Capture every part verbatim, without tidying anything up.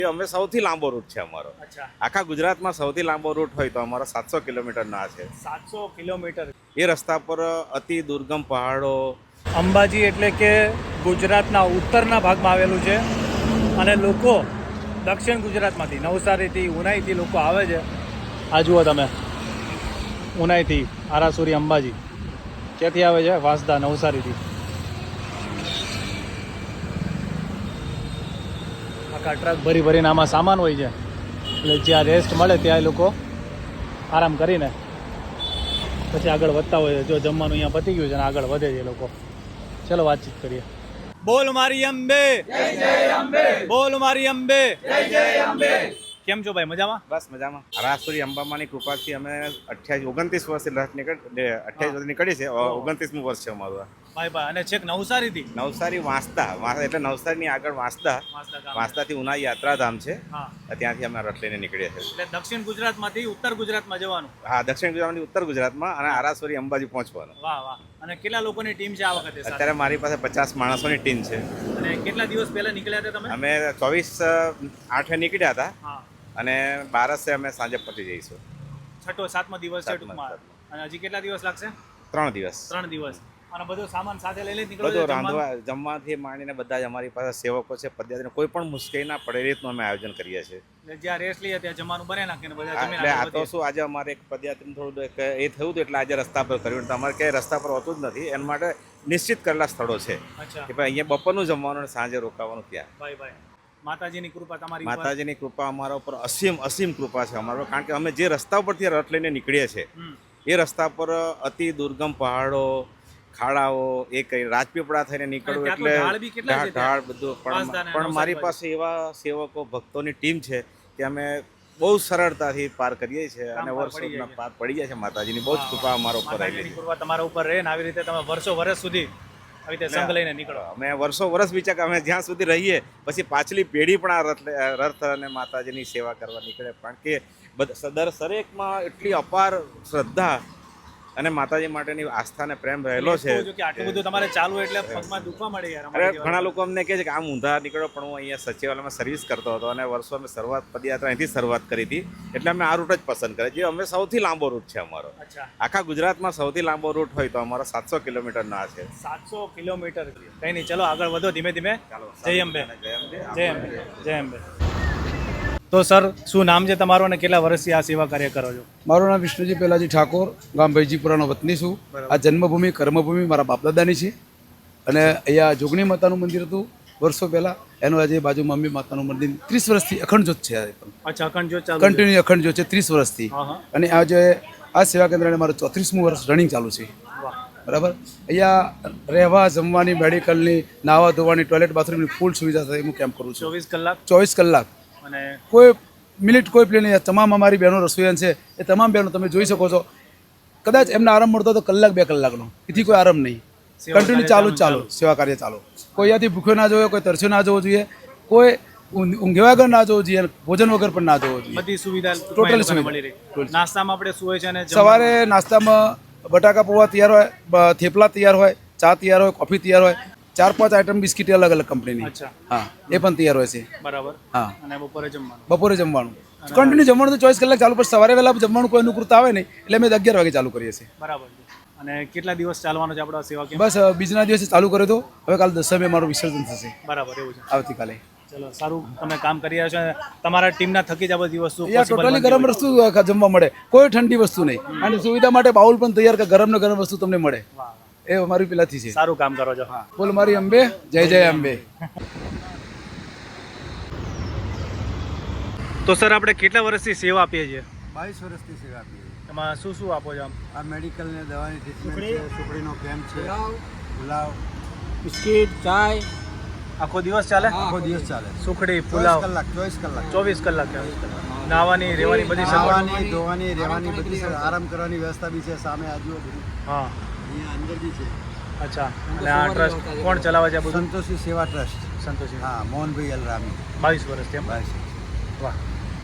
અમે સૌથી લાંબો રૂટ છે અમારો. આખા ગુજરાતમાં સૌથી લાંબો રૂટ હોય તો અમારો સાતસો કિલોમીટરના છે. સાતસો કિલોમીટર. એ રસ્તા પર અતિ દુર્ગમ પહાડો. અંબાજી એટલે કે ગુજરાતના ઉત્તરના ભાગમાં આવેલું છે અને લોકો દક્ષિણ ગુજરાતમાંથી નવસારીથી ઉનાઈથી લોકો આવે છે. આ જુઓ તમે, ઉનાઈથી આરાસુરી અંબાજી ક્યાંથી આવે છે? વાંસદા, નવસારીથી. આખા ટ્રક ભરી ભરીને આમાં સામાન હોય છે, એટલે જ્યાં રેસ્ટ મળે ત્યાં લોકો આરામ કરીને પછી આગળ વધતા હોય છે. જો જમવાનું અહીંયા પતી ગયું છે અને આગળ વધે છે લોકો. ચલો વાતચીત કરીએ. બોલ મારી અંબે, જય જય અંબે. બોલ મારી અંબે, જય જય અંબે. કેમ છો ભાઈ? મજામાં? બસ મજામાં. આરાસુરી અંબામાની કૃપાથી અમે અઠ્યાવીસ ઓગણત્રીસ વર્ષથી રથ નીકળ અઠ્યાવીસ વર્ષ નીકળી છે. ઓગણત્રીસમું વર્ષ છે અમારું. ભાઈ ભાઈ. અને છેક નવસારીથી? નવસારી વાંસદા, એટલે નવસારીની આગળ વાંસદા, વાંસદાથી ઉના યાત્રાધામ છે, ત્યાંથી અમે રથ લઈને નીકળીએ છીએ. એટલે દક્ષિણ ગુજરાતમાંથી ઉત્તર ગુજરાતમાં જવાનું? હા, દક્ષિણ ગુજરાતમાંથી ઉત્તર ગુજરાતમાં અને આરાસુરી અંબાજી પહોંચવાનું. વાહ વાહ. અને કેટલા લોકોની ટીમ છે આ વખતે? અત્યારે મારી પાસે પચાસ માણસોની ટીમ છે. અને કેટલા દિવસ પહેલા નીકળ્યા હતા તમે? અમે ચોવીસ આઠે નીકળ્યા હતા અને બારસે અમે સાંજે પહોંચી જઈશું. છઠ્ઠો સાતમો દિવસ છે ટૂંકમાં. અને હજી કેટલા દિવસ લાગશે? ત્રણ દિવસ. ત્રણ દિવસ. અને બધો સામાન સાથે લઈ લઈ નીકળો? બધું રાંધવા જમવાથી માંડીને બધા જ અમારી પાસે સેવકો છે. પદયાત્રીને કોઈ પણ મુશ્કેલી ના પડે એ રીતનું અમે આયોજન કરીએ છીએ. જ્યાં રેસ્ટ લઈએ ત્યાં જમવાનું બને નાખીને બધા જમીને એટલે આ તો શું, આજે અમારે એક પદયાત્રીનું થોડું એ થયું હતું એટલે આજે રસ્તા પર કર્યું. તમારે ક્યાંય રસ્તા પર હોતું જ નથી. એના માટે નિશ્ચિત કરેલા સ્થળો છે કે ભાઈ અહીંયા બપોરનું જમવાનું અને સાંજે રોકાવાનું ત્યાં. ભાઈ ભાઈ. માતાજીની કૃપા તમારી? માતાજીની કૃપા અમારા ઉપર અસીમ અસીમ કૃપા છે અમારા, કારણ કે અમે જે રસ્તા ઉપરથી રથ લઈને નીકળીએ છીએ એ રસ્તા પર અતિ દુર્ગમ પહાડો, ખાડાઓ, એ કઈ રાજપીપળા થઈને નીકળવું એટલે ઢાળ બધું. પણ મારી પાસે એવા સેવકો ભક્તોની ટીમ છે કે અમે બહુ સરળતાથી પાર કરીએ છીએ અને વર્ષોના પાર પડી જાય છે. માતાજીની બહુ જ કૃપા અમારા ઉપર રહેલી છે. કૃપા તમારા ઉપર રહે ને આવી રીતે તમે વર્ષો વર્ષ સુધી આવી રીતે સંગ લઈને નીકળો. અમે વર્ષો વર્ષ વિચાર કે અમે જ્યાં સુધી રહીએ પછી પાછલી પેઢી પણ આ રથ રથ અને માતાજીની સેવા કરવા નીકળે, કારણ કે દર દરેકમાં એટલી અપાર શ્રદ્ધા અને માતાજી માટેની આસ્થા અને પ્રેમ રહેલો છે. આટલું બધું તમારે ચાલુ એટલે પગમાં દુખવા મળે યાર. અરે ઘણા લોકો અમને કહે છે કે આમ ઊંધા નીકળો, પણ હું અહીંયા સચિવાલયમાં સર્વિસ કરતો હતો અને વર્ષો અમે શરૂઆત પદયાત્રા અહીંથી શરૂઆત કરી હતી, એટલે અમે આ રૂટ જ પસંદ કરે જે અમે સૌથી લાંબો રૂટ છે અમારો. આખા ગુજરાતમાં સૌથી લાંબો રૂટ હોય તો અમારો સાતસો કિલોમીટરના છે. સાતસો કિલોમીટર. કઈ નહીં, ચલો આગળ વધો ધીમે ધીમે. જય અંબે. જય અંબે. જય અંબે. તો સર, શું નામ છે તમારું અને કેટલા વર્ષથી આ સેવા કાર્ય કરો છો? મારું નામ વિષ્ણુજી પેલાજી ઠાકોર, ગામ ભૈજીપુરાનો વતની છું. આ જન્મભૂમિ કર્મભૂમિ મારા બાપદાદાની છે અને અહીંયા જોગણી માતાનું મંદિર હતું વર્ષો પહેલાં, એનું આજે બાજુમાં અંબે માતાનું મંદિર ત્રીસ વર્ષથી અખંડ જ્યોત છે. અચ્છા, અખંડ જ્યોત ચાલુ? કન્ટિન્યુ અખંડ જ્યોત છે ત્રીસ વર્ષથી. અને આ જે આ સેવા કેન્દ્રને મારું ચોત્રીસમું વર્ષ રનિંગ ચાલુ છે. બરાબર. અહીંયા રહેવા, જમવાની, મેડિકલની, નાહવા ધોવાની, ટોયલેટ બાથરૂમની ફૂલ સુવિધા થાય હું કેમ્પ કરું છું. ચોવીસ કલાક? ચોવીસ કલાક. અને કોઈ મિનિટ કોઈ પ્લે નહીં. તમામ અમારી બહેનો રસોઈયાન છે, એ તમામ બહેનો તમે જોઈ શકો છો. કદાચ એમને આરામ મળતો તો કલાક બે કલાકનો, એથી કોઈ આરામ નહીં. કન્ટિન્યુ ચાલુ જ ચાલુ સેવા કાર્ય ચાલુ. કોઈ અહીંયાથી ભૂખ્યો ના જોવે, કોઈ તરસ્યો ના જોવો જોઈએ, કોઈ ઊંઘ્યા વગર ના જોવો જોઈએ, ભોજન વગર પણ ના જોવો જોઈએ. બધી સુવિધા ટોટલી સુવિધા મળી રહી. નાસ્તામાં આપણે શું હોય છે? અને સવારે નાસ્તામાં બટાકા પૌવા તૈયાર હોય, થેપલા તૈયાર હોય, ચા તૈયાર હોય, કોફી તૈયાર હોય, ચાર પાંચ આઈટમ બિસ્કીટ અલગ અલગ કંપનીની. હા, એ પણ તૈયાર હોય છે. બરાબર. હા. અને બપોરે જમવાનું? બપોરે જમવાનું કન્ટિન્યુ જમવાનું તો ચોવીસ કલાક ચાલુ, પણ સવારે વહેલા જમવાનું કોઈ અનુકૂળતા આવે નહીં એટલે અમે અગિયાર વાગે ચાલુ કરીએ છીએ. બરાબર. અને કેટલા દિવસ ચાલવાનો છે આપણો સેવા કેમ્પ? બસ બીજના દિવસે ચાલુ કર્યો તો, હવે કાલે દસમે મારું વિસર્જન થશે. બરાબર, એવું છે. આવતીકાલે. ચલો, સારું, તમે કામ કરી રહ્યા છો. તમારા ટીમના થકી જ આ બધી વસ્તુ ટોટલી ગરમ વસ્તુ જમવા મળે, કોઈ ઠંડી વસ્તુ નહીં. અને સુવિધા માટે બાઉલ પણ તૈયાર કે ગરમ ને ગરમ વસ્તુ તમને મળે. એ અમારી પેલાથી છે. સારું કામ કરો છો. હા, બોલ મારી અંબે, જય જય અંબે. તો સર, આપણે કેટલા વર્ષથી સેવા આપીએ છીએ? બાવીસ વર્ષથી સેવા આપીએ છીએ. એમાં શું શું આપો છો? આ મેડિકલ ને દવાની ટ્રીટમેન્ટ છે, સુખડીનો કેમ્પ છે, પુલાવ, બિસ્કિટ, ચાય. આખો દિવસ ચાલે? આખો દિવસ ચાલે. સુખડી, પુલાવ કલાક ચોવીસ કલાક ચોવીસ કલાક. નાવાની, રહેવાની બધી નાવાની, ધોવાની, રહેવાની બધી આરામ કરવાની વ્યવસ્થા બી છે. સામે આજુબાજુ હા અહીંયા અંદર બી છે. અચ્છા. અને આ ટ્રસ્ટ કોણ ચલાવે છે? બધું સંતોષી સેવા ટ્રસ્ટ. સંતોષી. હા, મોહનભાઈ અલરામી. બાવીસ વર્ષ તેમ? બાવીસ. વાહ.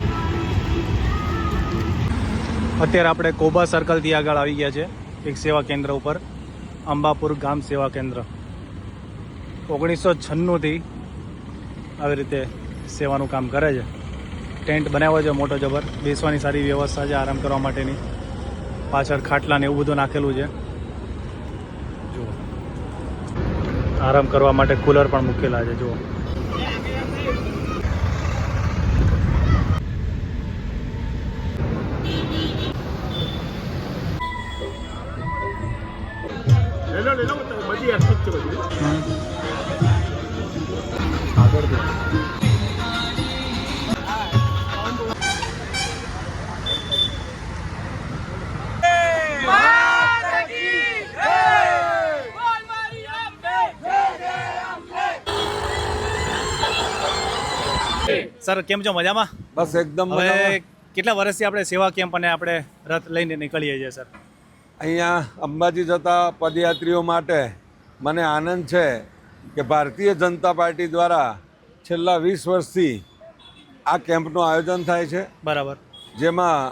અત્યારે આપણે કોબા સર્કલથી આગળ આવી ગયા છે એક સેવા કેન્દ્ર ઉપર, અંબાપુર ગામ સેવા કેન્દ્ર. ઓગણીસો છન્નુંથી આવી રીતે સેવાનું કામ કરે છે. ટેન્ટ બનાવ્યો છે મોટો જબર, બેસવાની સારી વ્યવસ્થા છે આરામ કરવા માટેની. પાછળ ખાટલા ને એવું બધું નાખેલું છે. જુઓ, આરામ કરવા માટે કુલર પણ મૂકેલા છે. જુઓ, આગળ દે. સર કેમ છો? મજામાં? બસ એકદમ મજામાં. હવે કેટલા વર્ષથી આપણે સેવા કેમ્પ અને આપણે રથ લઈને નીકળીએ છીએ સર? અહીંયા અંબાજી જતા પદયાત્રીઓ માટે મને આનંદ છે કે ભારતીય જનતા પાર્ટી દ્વારા છેલ્લા વીસ વર્ષથી આ કેમ્પનું આયોજન થાય છે, બરાબર. જેમાં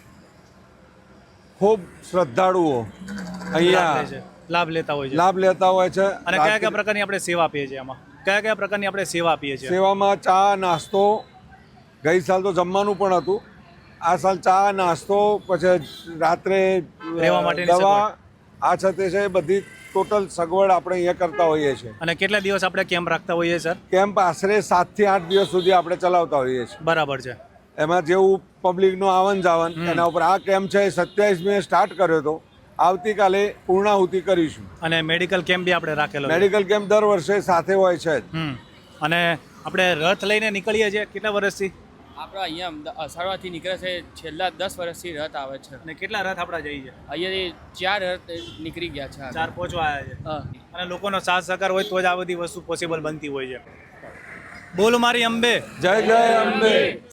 ખૂબ શ્રદ્ધાળુઓ લાભ અહીંયા લે છે, લાભ લેતા હોય છે. લાભ લેતા હોય છે. અને કયા કયા પ્રકારની આપણે સેવા આપીએ છીએ આમાં? કયા કયા પ્રકારની આપણે સેવા આપીએ છીએ? સેવામાં ચા નાસ્તો, ગઈ સાલ તો જમવાનું પણ હતું, આ સાલ ચા નાસ્તો, પછી રાત્રે રહેવા માટેની દવા, આ છે તે છે એ બધી ટોટલ સગવડ આપણે અહીંયા કરતા હોઈએ છીએ. અને કેટલા દિવસ આપણે કેમ્પ રાખતા હોઈએ સર? કેમ્પ આશરે સાતથી આઠ દિવસ સુધી આપણે ચલાવતા હોઈએ છીએ. બરાબર છે. એમાં જેવું પબ્લિકનું આવન જાવન એના ઉપર આ કેમ્પ છે એ સત્યાવીસ મે સ્ટાર્ટ કર્યો હતો, આવતીકાલે પૂર્ણાહુતિ કરીશું. અને મેડિકલ કેમ્પ બી આપણે રાખેલો છે. મેડિકલ કેમ્પ દર વર્ષે સાથે હોય છે જ. હમ. અને આપણે રથ લઈને નીકળીએ છીએ કેટલા વર્ષથી? આપણે અહીંયા અમદા- અસારવાથી નીકળે છે, છેલ્લા દસ વર્ષથી રથ આવે છે. અને કેટલા રથ આપણા જઈ છે? અહીંયાથી ચાર રથ નીકળી ગયા છે. ચાર પહોંચવા આવ્યા છે. હા. અને લોકોનો સાથ સહકાર હોય તો જ આ બધી વસ્તુ પોસિબલ બનતી હોય છે. બોલ મારી અંબે. જય જય અંબે.